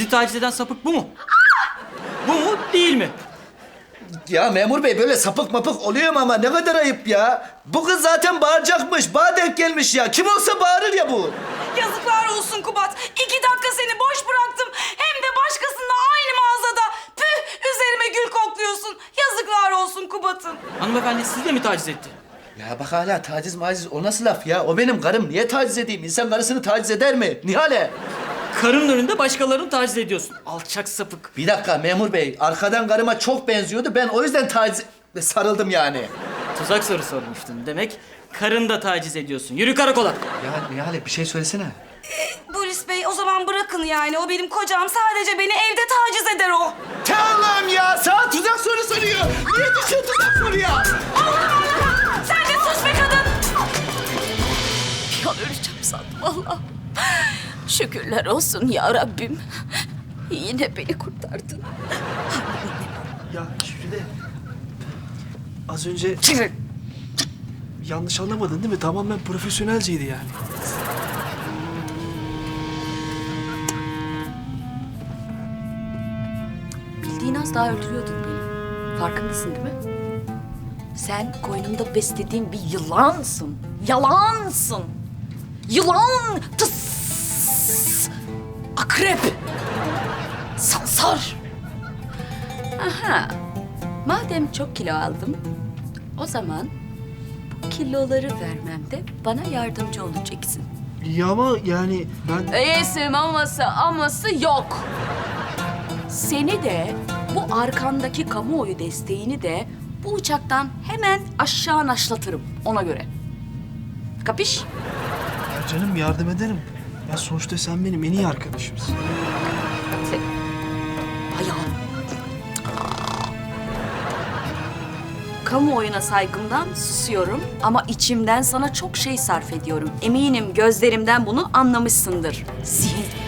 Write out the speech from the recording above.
Sizi taciz eden sapık bu mu? Bu mu, değil mi? Ya memur bey böyle sapık mapık oluyor mu ama ne kadar ayıp ya. Bu kız zaten bağıracakmış. Bana denk gelmiş ya. Kim olsa bağırır ya bu. Yazıklar olsun Kubat. 2 dakika seni boş bıraktım. Hem de başkasında aynı mağazada. Püh, üzerime gül kokluyorsun. Yazıklar olsun Kubat'ım. Hanımefendi sizi de mi taciz etti? Ya bak hala taciz maciz o nasıl laf ya? O benim karım. Niye taciz edeyim? İnsan karısını taciz eder mi? Nihale. Karının önünde başkalarını taciz ediyorsun. Alçak sapık. Bir dakika memur bey. Arkadan karıma çok benziyordu. Ben o yüzden taciz... sarıldım yani. Tuzak soru sormuştun. Demek karını da taciz ediyorsun. Yürü karakola. Ya Nihale bir şey söylesene. Polis bey o zaman bırakın yani. O benim kocam. Sadece beni evde taciz eder o. Tamam ya. Sana tuzak soru soruyor. Niye düşün tuzak soruyor? Sen de sus be kadın. Bir an öleceğim sandım vallahi. Şükürler olsun ya Rabbim. Yine beni kurtardın. Ya Jülide, az önce yanlış anlamadın değil mi? Tamamen profesyonelceydi yani. Bildiğin az daha öldürüyordun beni. Farkındasın değil mi? Sen koynumda beslediğin bir yılansın. Yalansın. Yılan! Tıs! Akrep! Sansar! Aha! Madem çok kilo aldım, o zaman bu kiloları vermemde bana yardımcı olacaksın. Ya ama yani ben... İyisi aması yok. Seni de bu arkandaki kamuoyu desteğini de bu uçaktan hemen aşağı naşlatırım ona göre. Kapış? Ya canım yardım ederim. Ya sonuçta sen benim en iyi arkadaşımsın. Sen... Ayağım. Kamuoyuna saygımdan susuyorum ama içimden sana çok şey sarf ediyorum. Eminim gözlerimden bunu anlamışsındır. Zihin